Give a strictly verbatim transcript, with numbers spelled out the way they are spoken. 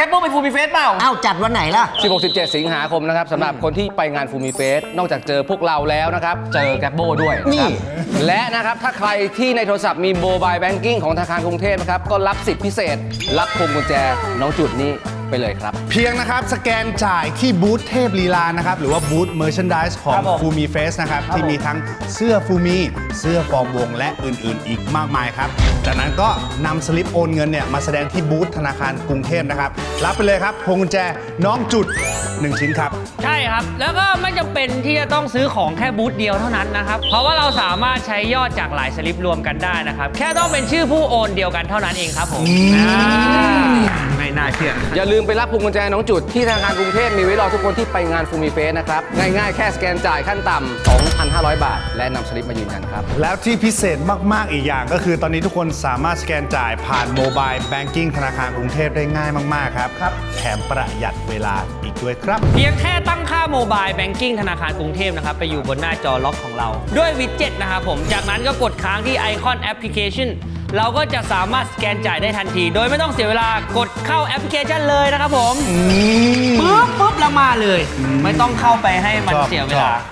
แกปโป้ไปฟูมิเฟสเปล่าอ้าวจัดวันไหนล่ะสิบหก สิบเจ็ด สิงหาคมนะครับสำหรับคนที่ไปงานฟูมิเฟสนอกจากเจอพวกเราแล้วนะครับเจอแกปโบ้ด้วยนะครับและนะครับถ้าใครที่ในโทรศัพท์มีโมบายแบงกิ้งของธนาคารกรุงเทพนะครับก็รับสิทธิพิเศษรับพวงกุญแจน้องจุดนี้ไปเลยครับเพียงนะครับสแกนจ่ายที่บูธเทพลีลานะครับหรือว่าบูธเมอร์ชันดิสของฟูมิเฟสนะครับที่มีทั้งเสื้อฟูมิเสื้อฟอร์มวงและอื่นๆอีกมากมายครับจากนั้นก็นำสลิปโอนเงินเนี่ยมาแสดงที่บูธธนาคารกรุงเทพนะครับรับไปเลยครับพวงกุญแจน้องจุดหนึ่งชิ้นครับใช่ครับแล้วก็ไม่จำเป็นที่จะต้องซื้อของแค่บูธเดียวเท่านั้นนะครับเพราะว่าเราสามารถใช้ยอดจากหลายสลิปรวมกันได้นะครับแค่ต้องเป็นชื่อผู้โอนเดียวกันเท่านั้นเองครับผมไม่น่าเชื่ออย่าลืมไปรับพวงกุญแจน้องจุดที่ธนาคารกรุงเทพมีไว้รอทุกคนที่ไปงานฟูมิเฟสนะครับง่ายๆแค่สแกนจ่ายขั้นต่ำ สองพันห้าร้อย บาทและนำสลิปมายืนยันครับแล้วที่พิเศษมากๆอีกอย่างก็คือตอนนี้ทุกคนสามารถสแกนจ่ายผ่านโมบายแบงกิ้งธนาคารกรุงเทพได้ง่ายมากๆครับครับแถมประหยัดเวลาอีกด้วยครับเพียงแค่ตั้งค่าโมบายแบงกิ้งธนาคารกรุงเทพนะครับไปอยู่บนหน้าจอล็อกของเราด้วยวิดเจ็ตนะครับผมจากนั้นก็กดค้างที่ไอคอนแอปพลิเคชันเราก็จะสามารถสแกนจ่ายได้ทันทีโดยไม่ต้องเสียเวลากดเข้าแอปพลิเคชันเลยนะครับผมปุ๊บปุ๊บแล้วมาเลยไม่ต้องเข้าไปให้มันเสียเวลา